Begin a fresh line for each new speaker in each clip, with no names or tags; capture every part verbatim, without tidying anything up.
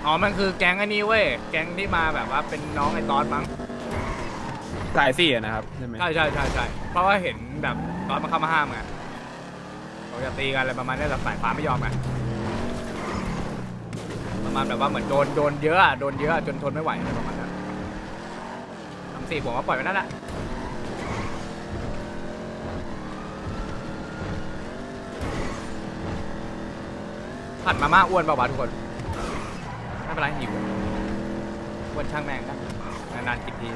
อ๋อมันคือแก๊งไอ้นี่เว้ยแก๊งที่มาแบบว่าเป็นน้องไอ้ตอนมั้ง
สายสี่อะนะครับใช่ไหม
ใช่ใช่ใช่ใช่เพราะว่าเห็นแบบตอนมันเข้ามาห้ามไงเขาจะตีกันอะไรประมาณนี้แต่สายฟ้าไม่ยอมไงประมาณแบบว่าเหมือนโดนโดนเยอะอะโดนเยอะจนทนไม่ไหวอะไรประมาณนั้นสามสี่ผมว่าปล่อยไปนั่นแหละผัดมาม่าอ้วนเปล่าวะทุกคนไม่เป็นไรหิวอ้วนช่างแม่งนะนานๆกินที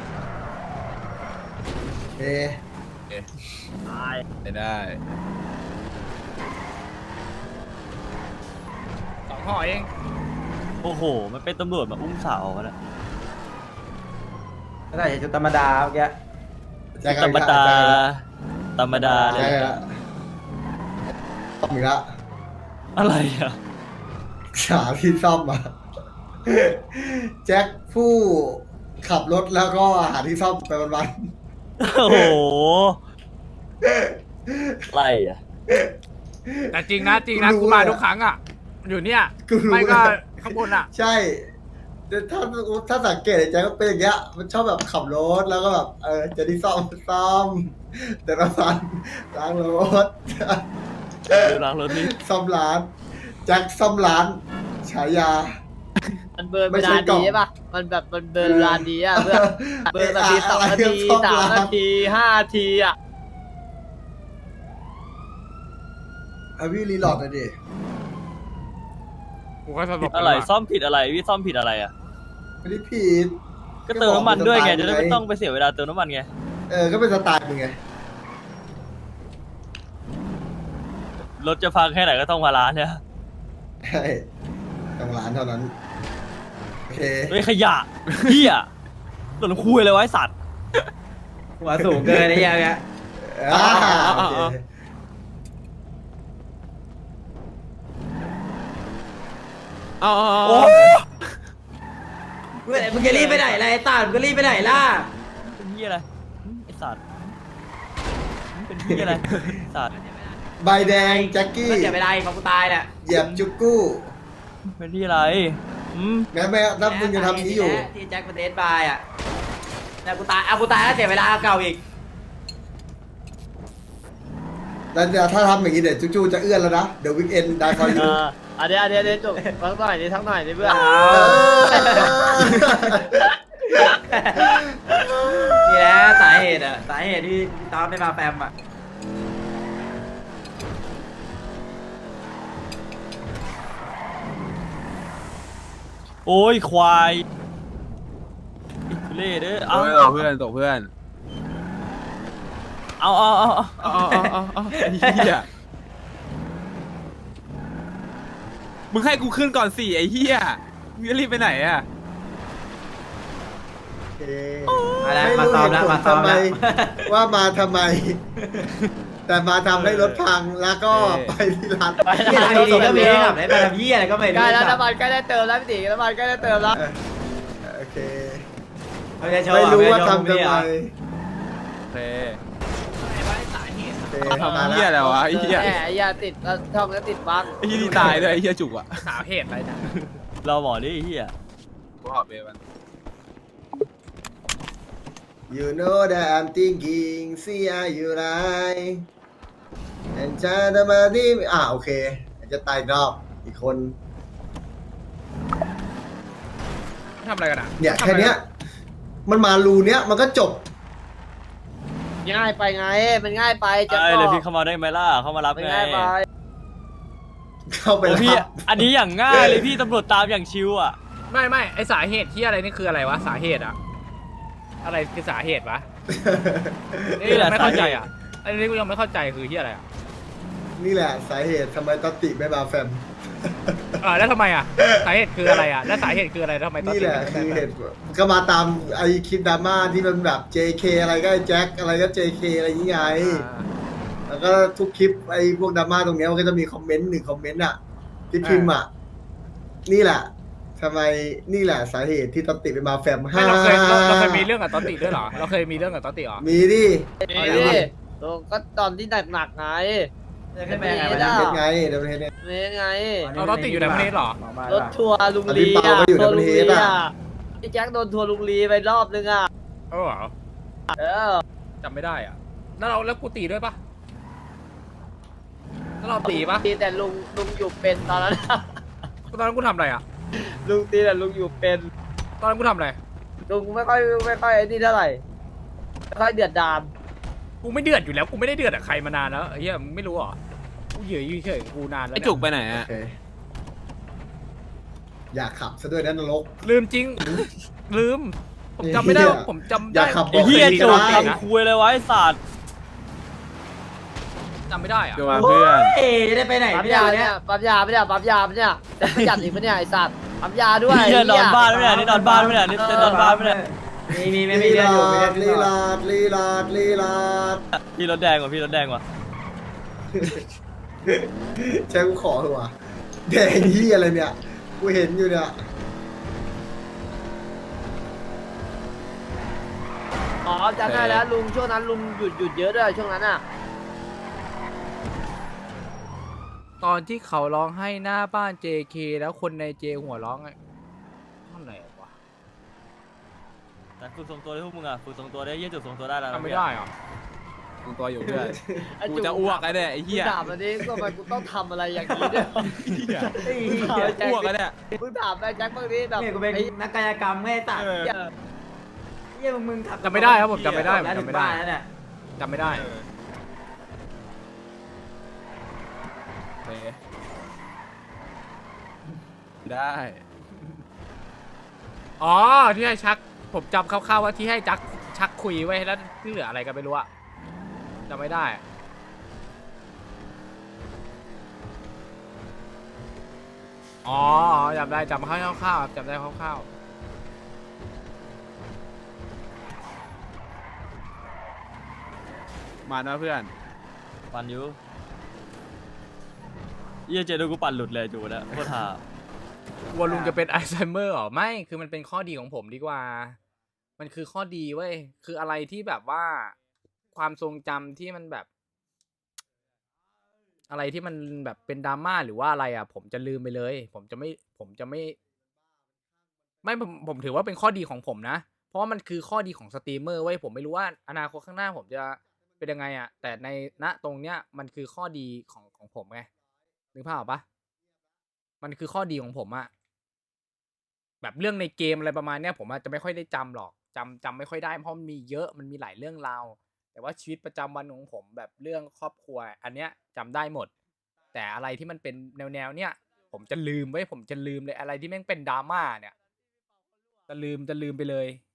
เอ๊ะ
ได้ได้
สองห่อเอง
โอ้โห มันเป็นตำรวจมาอุ้มสาวกันนะ
ไม่ได้ชุดธรรมดาเมื่อกี้
แจ็ค
ธรรมดา ธรรมดาเล
แจ็
ย
คละซ่อมอีกละ
อะไรอ่ะ
หาที่ซ่อมมาแจ็คผู้ขับรถแล้วก็หาที่ซ่อมไปวัน
โอ้โห อะไรอ่ะ
แต่จริงนะจริงนะกูมาทุกครั้งอ่ะอยู่เนี่ย
ๆกูรู้
ไม่ก็
เลย
ข้างบนอ่ะ
ใช่แต่ถ้าถ้าสังเกตไอ้แจ็คก็เป็นอย่างเงี้ยมันชอบแบบขับรถแล้วก็แบบเออจะที่ซ่อมซ่อม แต่ละวันล้างรถ
ดูหลังรถนี่
ซ่อมร้านแจ็คซ่อมร้านฉายา
มันเบิร์น
ไม่
เว
ใช่
ลาก
ล่อง
ดีใช่ปะมันแบบมันเบิร์นเวลาดีอ่ะเพื่อนเบิร์นนาทีสองนาทีสามนาทีห้านาทีอ่ะ
เอาพี่รีโหลอดหน่อยดิ
กูก็สลบ
อะไร ซ่อมผิดอะไร พี่ซ่อมผิดอะไรอ่ะ
ไม่ได้ผิด
ก็เติมน้ำมันด้วยไง จะได้ไม่
ไง
ต้องไปเสียเวลาเติมน้ำมันไง
เออก็เป็นสไตล์มึงไง
รถจะพังแค่ไหนก็ต้องมาร้านเนี่ย
ใช่ต้องร้านเท่านั้นโอเค
เฮ้ยขยะเฮียหล่นคุยเลยไวะไอ้สัตว์
หัวสูงเกินไอ้เหี้ยังเงี้ย
อ่าโอเค
อ๋อ
โอ้
มึงมึงจะรีบไปไหนล่ะไอ้ตามึงก็รีบไปไหนล่ะ
เป็นเฮียอะไรไอ้สัตว์เป็นเฮียอะไรสัตว์
ใบแดงแจ็คกี้
ก็เสียเวลาของกูตายเนี่ย
เหยียบจุกกู้
เป็นที่อะไรอืม
แม้แม้ถ้ามึงจะทำนี้อยู่
ที่แจ็คเป็นเดสบายอ่ะแต่กูตายเอากูตายแล้วเสียเวลาเก่าอีก
แล้วเดี๋ยวถ้าทำอย่างนี้เดี๋ยวจุกจูจะเอื้อนแล้วนะ เดี๋ยววิกเอนได้คอยดู
อ่าอันเดียวอันเดียวเดี๋ยวจบทั้งหน่อยดิทั้งหน่อยดิเพื่อน
นี่แหละสาเหตุอ่ะสาเหตุที่ตอนไม่มาแฟมอ่ะ
โอ้ยควายอิทุเล่เด้อ
เอา
เอา
เพื่อนตกเพื่อน
เอาเอาเอาเอา
อ๋ออ๋ออ๋ออ๋อไอ้เหี้ยมึงให้กูขึ้นก่อนสี่ไอ้เหี้ยมึงจะรีบไปไหนอะ
โอเค
มาแล้ว
ไม่
มา
รู้
ซ้อม
เหตุ
แล้ว
ผล
มาซ้อม
ทำไม
แล้ว
ว่ามาทำไม แต่มาทำให้รถพังแล้วก็ไปที่ร้าน
ไปทำดีๆก็มีขับได้ไปทำเหี้ยอะไรก็ไม่
ใกล้
รู้
แล้ว
จัก
น้ำมันใกล้ได้เติมแล้วพี่ตีน้ำมันใกล้ได้เติมแล้ว
เออโอเค
ไม่ได้โชว์
ไม่รู้ว่า
ไได้โช
ทำทำไม
อ่ะ
โอเค
โอเคมา
ทำ
แล้
เหี้ยว อะไรวะไอ้เหี้ย
แหมอย่าติดแล้วช่องก็ติดบัง
ไอ้เหี้ยนี่ตายด้วยไอ้เหี้ยจุกอะ
สาเหตุอะไรนะ
เราหมอดิไอ้เฮีย
กูขอเบมัน
You know that I'm thinking see are you right and จะทำมาที่อ่าโอเคจะตายรอบอีกคน
ทำอะไรกันอ่ะ
เนี่ยแค่เนี้ย มันมารูเนี้ยมันก็จบ
ง่ายไปไงมันง่ายไปจะ
ไอ้
ต่
เลย
อ
พี่เข้ามาได้ไหมล่ะ เข้ามารับ
มัน
ไง
ง่ายไป
เข้าไป
โอ้
แล้ว
พี่ อันนี้อย่างง่ายเลยพี่ตำรวจตามอย่างชิวอ่ะ
ไม่ไม่ไอสาเหตุที่อะไรนี่คืออะไรวะสาเหตุอะอะไรคือสาเหตุวะนี่
นี่แหละ
ไม่เข้าใจ
สาเหตุ
อ่ะอันนี้กูยังไม่เข้าใจคือที่อะไรอ่ะ
นี่แหละสาเหตุทำไมตอตติไม่มาแฟม
เออแล้วทำไมอ่ะสาเหตุคืออะไรอ่ะแล้วสาเหตุคืออะไรทำไมต้อง
นี่แหละ
ถึง
คือ
ไม่
เห
ได้
ตุผลก็มาตามไอคลิปดราม่าที่มันแบบ เจ เค อะไรก็ไอ้แจ็คอะไรก็ เจ เค อะไรอย่างเงี้ย
อ่า
แล้วก็ทุกคลิปไอ้พวกดราม่าตรงเนี้ยมันก็จะมีคอมเมนต์หนึ่งคอมเมนต์อ่ะที่พิมพ์อ่ะนี่แหละทำไมนี่แหละสาเหตุที่ตอตติไปมาแฟม
ไม่เราเคยเราเราเคยมีเรื่องกับตอตติด้วยเหรอเราเคยมีเรื่องกับตอตติเหรอ
มีดิ
นี่ดิโอ้ก็ตอนที่หนักๆไง
จะขึ้นไปยังไง
ไม่
วะ
ได้
เนี่ย
เฮ็ดไงเดี๋ยวเฮ็ดไง
นี่ไง
เราต้องติดอยู่ในประเทศเหรอ
รถทัวร์ลุง
อัน
ลี
นี้เปา
อ่ะ
ก็อยู่ใน
ทัวร์
ประ
ลุง
เท
ลี
ศอะ
อ่ะพี่แจ็คโดนทัวร์ลุงลีไปรอบนึงอ่ะ
เออเหรอ
เออ
จำไม่ได้อ่ะแล้วเราแล้วกูตีด้วยปะแล้วเราตีปะ
ตีแต่ลุงลุงอยู่เป็นตอนนั้นอะ
ตอนนั้นกูทำอะไรอ่ะ
ลุงตีแต่ลุงอยู่เป็น
ตอนนั้นกูทำอะไร
ลุงไม่ค่อยไม่ค่อยไอ้นี่เท่าไหร่ไม่ค่อยเดือดดาน
กูไม่เดือดอยู่แล้วกูไม่ได้เดือดกับใครมานานแล้วไอ้เหี้ยมึงไม่รู้เหรอกูเหยื่ออยู่เฉยๆกูนานแล้ว
ไอ้
เนี่ย
จุกไปไหน
โอ
อะ
เคอยากขับซะด้วยนะนรก
ลืมจริง ลืม ผมจำไม่ได้ว่าผมจำ
อยา
ได้
กขับ
ไอ้เหี้ย
ตี
จุก
ได้
ทำคุยเลยวะไอ้สัตว์
จำไม่ได้อ่ะ
จุกมาเพื่อน
เอ๊ะจะได้ไปไหน
ปั๊ม
พี่
ยา
ดาว
เนี่
เนี่ย ย
ปั๊มยาไม่ได้ปั๊มยาไม่เนี่ยแต่ประหยัดอีกปะเนี่ยไอ้สัตว์ปั๊มยาด้วย
เหี้ยนอนบ้านไม่ได้นี่นอนบ้านไม่ได้นี่เต้นนอนบ้านไม่ได้
มีมีไม่มี
ลี
เรียน
ลา
อยู่ไม่ได้
ดลีลาดลีลาดลีลาด
พี่รถแดงว่ะพี่รถแดงว่ะ
ใช่กูขอเถอะวะแดงที่อะไรเนี่ยกูเห็นอยู่เนี่ย
อ๋อจำได้แล้วลุงช่วงนั้นลุงหยุดหยุดเยอะด้วยช่วงนั้นอ่ะ
ตอนที่เขาร้องให้หน้าบ้าน เจ เค แล้วคนในเจหัวร้องไงท่อนไหนวะ
แต่ฝึกทรงตัวได้พวกมึงอ่ะฝึกทรงตัวได้เยี่ยจุกทรงตัวได้แล้ว
จำไม่ได้อ่ะ
มึงตัวอยู่เพื่อน
ไอ้
กู
จุก
จะอ้วกไอ้เนี่ยไอ้เหี้ย
ถามอันนี้ก็มันกูต้องทำอะไรอย่างนี้ด้วย
เฮ้ย
อ้วกไอ้เนี่ย
มึงถามไอ้แจ็คบางทีแบบ
เนี่ยกูเป็น
ไอ้
นักกายกรรมไม่ได้ตัด
เออ
เหี้ย
เยี่ยมึงมึงขับ
จำไม่ได้ครับผมจำไม่ได้ผม
แล้วถึ
จำ
ง
ไม่ได้
บ้านแล้วเนี่ย
จำไม่ได้
โอเคได้
อ๋อที่ให้ชักผมจำคร่าวๆว่าที่ให้จักชักคุยไว้แล้วที่เหลืออะไรกันไม่รู้อะจำไม่ได้อะอ๋ออ๋อจำได้จำคร่าวๆครับจำได้คร่าว
มานะเพื่อน
ปั่นอยู่เยี่ยเจดูกูปั่นหลุดเลยจูนะโคตรห่า
ๆกลัวลุงจะเป็นไอซ์ไซเมอร์หรอไม่คือมันเป็นข้อดีของผมดีกว่า มันคือข้อดีเว้ยคืออะไรที่แบบว่าความทรงจำที่มันแบบ อะไรที่มันแบบเป็นดราม่าหรือว่าอะไรอ่ะ ผมจะลืมไปเลย ผมจะไม่ ผมจะไม่ ไม่ผมผมถือว่าเป็นข้อดีของผมนะ เพราะว่ามันคือข้อดีของสตรีมเมอร์เว้ยผมไม่รู้ว่าอนาคตข้างหน้าผมจะเป็นยังไงอ่ะ แต่ในณตรงเนี้ยมันคือข้อดีของของผมไงนึกภาพออกปะมันคือข้อดีของผมอะแบบเรื่องในเกมอะไรประมาณเนี้ยผมอาจจะไม่ค่อยได้จำหรอกจำจำไม่ค่อยได้เพราะมันมีเยอะมันมีหลายเรื่องราวแต่ว่าชีวิตประจำวันของผมแบบเรื่องครอบครัว อันเนี้ยจำได้หมด แต่อะไรที่มันเป็นแนวแนวเนี้ยผมจะลืมไว้ยผมจะลืมเลยอะไรที่แม่งเป็นดราม่าเนี่ยจะลืมจะลืมไปเลย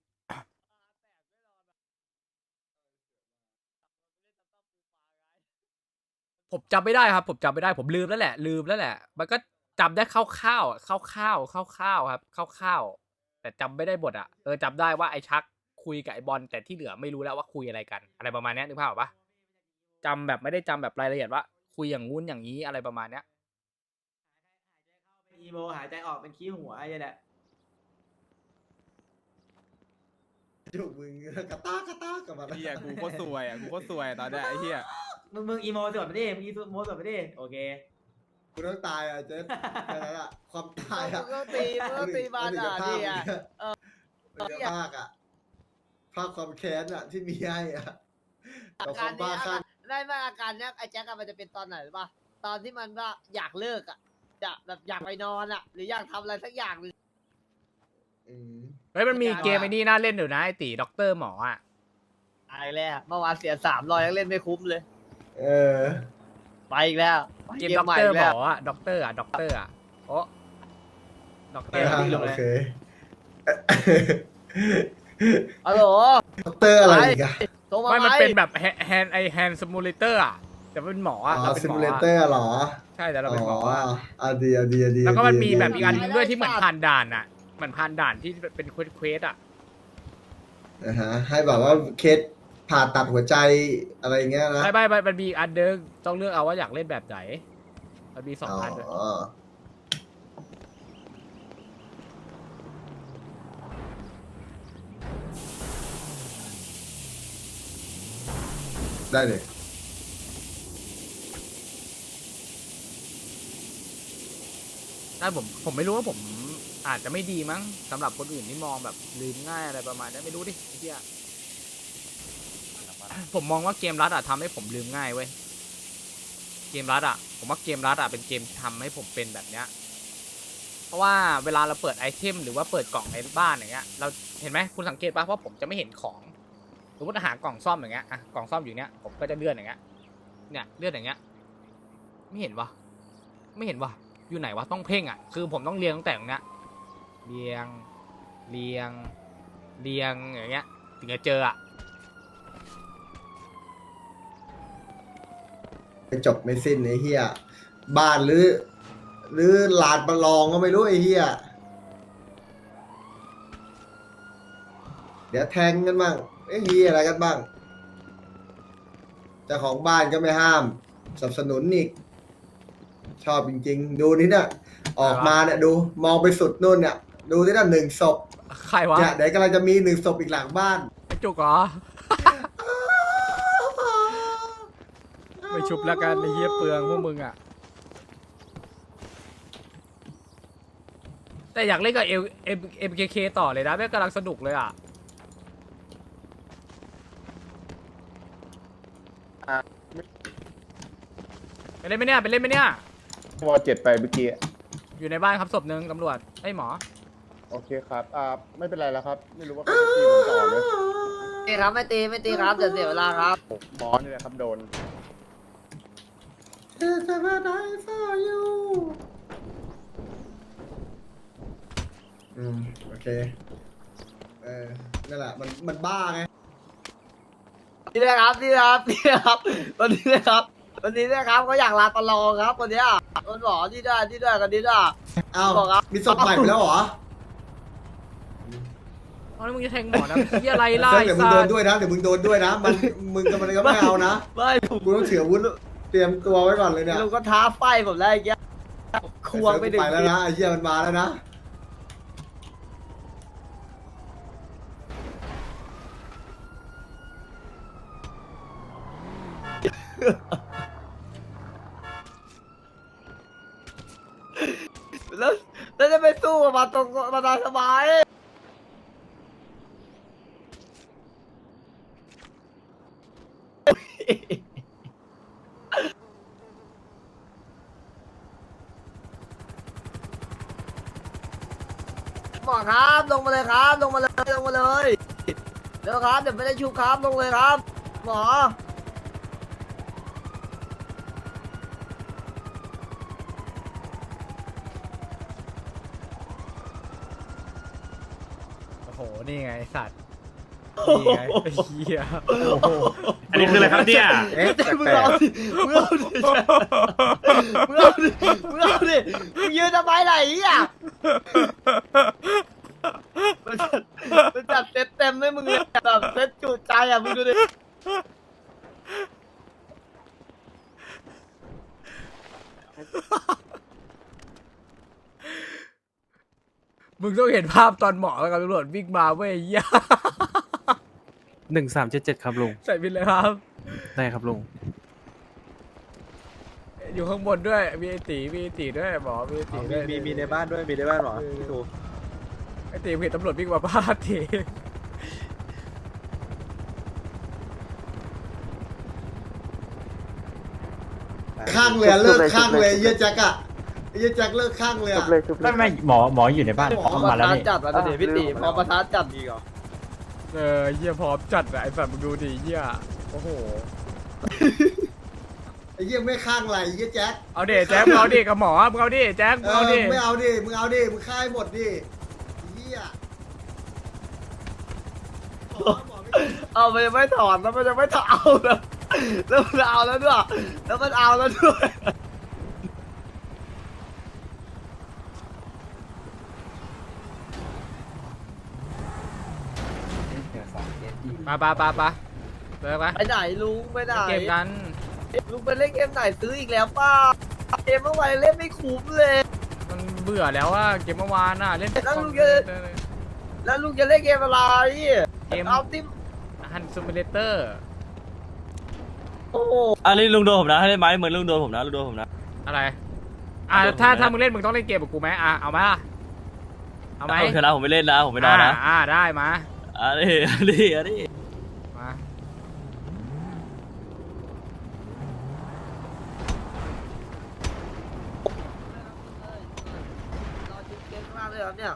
ผมจำไม่ได้ครับ ผมจำไม่ได้ผมลืมแล้วแหละ ลืมแล้วแหละ มันก็จำได้คร่าวๆคร่าวๆคร่าวๆครับคร่าวๆแต่จำไม่ได้บทอ่ะเออจำได้ว่าไอ้ชักคุยกับไอ้บอลแต่ที่เหลือไม่รู้แล้วว่าคุยอะไรกัน อะไรประมาณเนี้ยนึกภาพออกปะจำแบบไม่ได้จำแบบรายละเอียดว่า คุยอย่างงู้นอย่างนี้อะไรประมาณเนี้ย
อีโมหายใจออกเป็นขี้หัวไอ้เนี่ย
จุกมึงกระตากกระตากกลับมา
ไอ้เหี้ยกูโคตรซวยอ่ะกูโคตรซวยตอนเนี้ยไอ้เหี้ย
มึงมึงอีโมสวดไปดิมึงอีโมสวดไปดิโอเค
กูต้องตายอ่ะเจ๊แค่นั้นอ่ะความตาย
มึ
อ่ะ
งก็ตีมึงก็ตีบานอ่ะนี่อ่ะ
มันจะภาคอ่ะภาคความแค้นอ่ะที่มีให้อ่ะ
อา
กับค
การ
วามบ้า
เนี้ย
คลั่ง
ได้ไหมอาการเนี้ยไอ้แจ็คอะมันจะเป็นตอนไหนรู้ป่ะตอนที่มันว่าอยากเลิกอ่ะจะแบบอยากไปนอนอ่ะ หรืออยากทำอะไรสักอย่างหนึง
อืม
เฮ้ยมันมี
การ
เกมไอ้นี่น่าเล่นอยู่นะไอ้ตีด็อกเตอร์หมออ่ะ
ไปแล้วเมื่อวานเสียสามร้อยยังเล่นไม่คุ้มเลย
เออ
ไปอีกแล้วไป
เกม
เก
ด็
ม
อก
ใหม่
เตอ
อี
ร์
ก
หม
แล้ว
ออ่ะด็อกเตอร์อ่ะด็อกเตอร์อ่ะโอ้ด็อกเตอ
เอ
ร์
อโอเค
ฮัลโหล
ด็อกเตอร์อะไรอีกอ่ะ
โทรมา
ไม่
ไหม
มันเป็นแบบแฮนไอแฮนซิมูเลเตอร์อ่ะแต่เป็นหมอ
อ๋
อ่ะเรา
อ
เป็น
ซิ
หม
มู
อ
เล
อ่ะ
เตอร์เหรอ
ใช่แต่เราเป็นหมอ
อ๋อ
อ่ะ
อ่ะดีอ่ะดีอ่ะดี
แล้วก็มันมี
ดี
แบบอีกอัน
ดี
หนึงด้วยที่เหมือนผ่านด่านอ่ะเหมือนผ่านด่านที่เป็นเควสเควสอ่ะ
นะฮะให้แบบว่าเคสผ่าตัดหัวใจอะไรอย่างเงี้ยนะ
ไม่ไม่ไม่มันมีอีกอันเดิมต้องเลือกเอาว่าอยากเล่นแบบไหนมันมีสองอันด้วย
อ๋อได้เลย
ได้ผมผมไม่รู้ว่าผมอาจจะไม่ดีมั้งสำหรับคนอื่นที่มองแบบลืมง่ายอะไรประมาณนี้ไม่รู้ดิไอ้เหี้ยผมมองว่าเกมรัดอะทำให้ผมลืมง่ายเว้ยเกมรัดอะผมว่าเกมรัดอะเป็นเกมที่ทำให้ผมเป็นแบบเนี้ยเพราะว่าเวลาเราเปิดไอเทมหรือว่าเปิดกล่องในบ้านอย่างเงี้ยเราเห็นไหมคุณสังเกตป่ะเพราะผมจะไม่เห็นของสมมติหากล่องซ่อมอย่างเงี้ยอะกล่องซ่อมอยู่เนี้ยผมก็จะเลื่อนอย่างเงี้ยเนี่ยเลื่อนอย่างเงี้ยไม่เห็นวะไม่เห็นวะอยู่ไหนวะต้องเพ่งอะคือผมต้องเรียงตั้งแต่ตรงเนี้ยเรียงเรียงเรียงอย่างเงี้ยถึงจะเจออะ
ไม่จบไม่สิ้นไอ้เหี้ยบ้านหรือ หรือลานประลองก็ไม่รู้ไอ้เหี้ยเดี๋ยวแทงกันบ้างไอ้เหี้ยอะไรกันบ้างเจ้าของบ้านก็ไม่ห้ามสนับสนุนอีกชอบจริงๆ ดูนี่เนี่ยออกมาเนี่ยดูมองไปสุดนู่นเนี่ย ดูที่นั่นหนึ่งศพ
ใครวะ
เนี่ยเดี๋ยวกำลังจะมีหนึ่งศพอีกหลังบ้าน
ไอ้จุกเหรอ ไม่ชุบแล้วกันไอ้เหี้ยเปลืองพวกมึงอ่ะ แต่อยากเล่นกับเอเอ็มเอ็มเคเคต่อเลยนะแม่งกำลังสนุกเลยอ่ะ ไปเล่นไหมเนี่ยไปเล่นไหมเนี่ย
วอเจ็ดไปเมื่อกี้
อยู่ในบ้านครับศพหนึ่งตำรวจไอ้ยหมอ
โอเคครับ อ่า ไม่เป็นไรแล้วครับ ไม่รู้ว่าเขาจะตีผมต่อไหม
ตีครับไม่ตีไม่ตีครับเดี๋ยวเสียเวลาครับ
หมอนี่แหละครับโดน
อืมโอเคเออนั่นแหละมันมันบ้าไง
นี่นะครับนี่นะครับนี่นะครับวันนี้นะครับวันนี้นะครับเขาอยากลาตลองครับวันเนี้ยคนบอกนี่ด้วยนี่ด้วยกันนี่ด้วย
อ้าว
บอกครับ
มีศพใหม่ไปแล้วเหรอ
เอาแล้วมึงจะแทงหมอนะเหี้ยอะไรล่ะ
เซิร์ฟ
ไอ้
เดี๋ยวมึง
สั
โด
ส
นด้วยนะเดี๋ยวมึงโดนด้วยนะมันมึงกับมันก็ไม่เอานะ
ไม่ผม
กูต้องถืออาวุธเตรียมตัวไว้ก่อนเลยเนี่ย
ลุงก็ท้าไฟผมแล้วไอ้เงี้ยควงไปหนึ่ง
ไปแล้วนะไอ้เหี้ยมันมาแล้วนะ
แล้วแล้วจะไปสู้กับมาตรงมาตาสบายหมอครับลงมาเลยครับลงมาเลยลงมาเลยเดี๋ยวครับเดี๋ยวไม่ได้ชุบครับลงเลยครับ หมอ
โอ้โหนี่ไงไอ้สัตว์นี่ไงไอ้เหี้ย
อันนี้คืออะไรครับเนี่ย
เอ๊ะ
มึงเอาดิมึงเอาดิมึงเอาดิมึงเอาดิมึงยืนทำไมไหนอ่ะมันจัดมันจัดเต็มเต็มให้มึงเลยแบบเซ็ตจุใจอ่ะมึงดูดิ
มึงต้องเห็นภาพตอนหมอกับตำรวจวิ่งมาเว้ยไอ้เหี้ย
หนึ่งสามเจ็ดเจ็ดครับลุง
ใส่บินเลยครับ
ได้ครับลุง
อยู่ข้างบนด้วยมีไอตีมีไอตีด้วยหมอมีไอตีด้วย
มีมีในบ้านด้วย มีในบ้านหรอพี่ตู
ไอตีเห็นตำรวจวิ่งมาพาดที
ข้างเลยอะเลิกข้างเลยไอ้เหี้ยแจ็คอะไอ้เหี้ยแจ็คเลิกข้างเลยอะ
ไม่ไม่หมอหมออยู่ในบ้าน
พอประธานจัดแล้วเดี๋ยวพี่ตีพอประธานจัดดีกว่า
เออเหี้ยพร้อมจัดอะไอสัตว์มึงดูดิเหี้ยโอ้โห
ไอ้เหี้ยไม่ข้างไรไอ้เหี้ยแจ็ค
เอาดิแจ็คมึงเอาดิกับหมอมึงเอาดิแจ็คมึ
เอง
เอา
อ
ดิ
ไม่เอาดิมึงเอาดิมึงฆ่าให้หมดดิไอ้เหี้ยหมอหมอไม่
เอามันยังไม่ถอนแล้วมันยังไม่ถอนเอาแล้วแล้วมันเอาแล้วด้วยแล้วมันเอาแล้วด้วย
มาปะปะปะเลิกปะ
ไปไหนลุงไปไหน
เกมกัน
ลุงไปเล่นเกมไหนซื้ออีกแล้วป้าเกมเมื่อวานเล่นไม่คุ้มเลย
มันเบื่อแล้วว่าเกมเมื่อวานน่ะเล่น
แล้วลุงจะ แล้วลุงจะเล่นเกมอะไร
เกม
เอาติม
ฮันซูมิเลเตอร์
โอ้โห
อันนี้ลุงโดนผมนะให้ได้ไหมเหมือนลุงโดนผมนะลุงโดนผมนะ
อะไรอ่ะถ้าถ้ามึงเล่นมึงต้องเล่นเกมกับกูไหมอ่ะเอาไหมล่ะเอาไหม
เอาเถอะนะผมไม่เล่นนะผมไม่นอนนะ
อ่าอ่าได้มา
อ่ะดิอ่ะดิอ่ะดิ
มา
รอจิ๊บเก่งมากเลยครับเนี่ย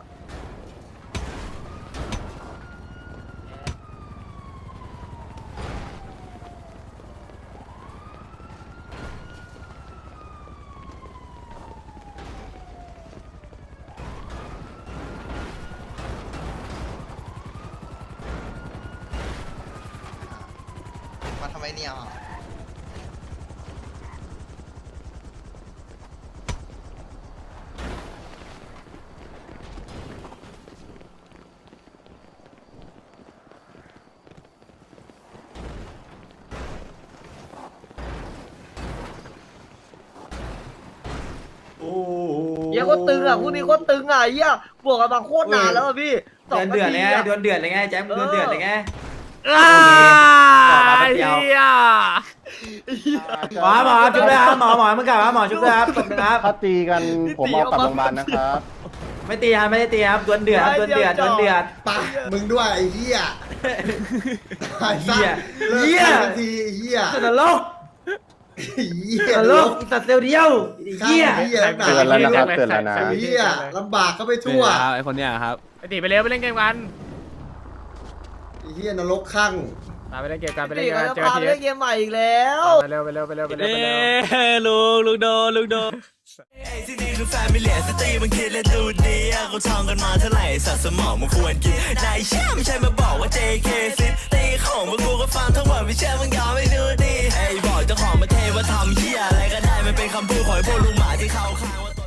มาทำไมเนี่ย
เหี้ยโคตรตึงอ่ะคู่นี้โคตรตึงอ่ะไอ้เหี้ยบวกกันมาโคตรนานแล้วอ่ะพี่สอง
เดือด
นา
เดือด
ที
เลยไง
อ่ะ
เดือดเดือดเลยไงแจ๊บเดือดเดือดเลยไง
อ้า
บอกมาแป๊บเดียว
เหี้ย
หมอหมอชุบเลยครับหมอหมอมึงกลับมาหมอชุบเลยครับตบเลยครับ
ถ้าตีกันผมเอากลับโรงพยาบาลนะครับ
ไม่ตีครับไม่ได้ตีครับดวลเดือดครับดวลเดือดดวลเดือด
ปะมึงด้วยไอ้เหี้ยไอ้
เหี้
เหี้
ย
ยเลิก
เหี้ย
ทีไอ้เหี้ย
ตลก
ไอ้เหี้ย
ตลกอีสัตว์เซลล์เดียวไอ้เหี้ย
ไอ้เหี้ยหนา
เตือนแล้วนะครับเตือนแล้วนะ
ไอ้เหี้ยลำบากก็ไปทั่ว
ไอ้คนเนี้ยครับ
ไอตีไปเร็วไปเล่นเกมกัน
ไอ้เหี้ยนรกข้าง
มาไปเล่นเกมกันไปเล่น
นี่
เกม
เขา
กัน
จะ
เจอ
พา
ที
ไปเล่นเกมใหม่อีกแล้ว
ไปเร็วไปเร็วไปเร็วไปเร็ว
เอ้
ไปเร็ว
ลุงลุงโดนลุงโดน
ที่นี่คือแฟมิเลียสตรีมันคิดและดูดีอะเขาท่องกันมาเท่าไหร่สัตว์สมองมันควรกินนายเชื่อไม่ใช่มาบอกว่า เจ เค ซิตีของพวกกูก็ฟังทั้งหมดไม่เชื่อมึงยอมไม่ดูดีไอ้บอกเจ้าของประเทศว่าทำเหี้ยอะไรก็ได้มันเป็นคำพูดของไอ้พวกลุงหมาที่เขาข้างว่า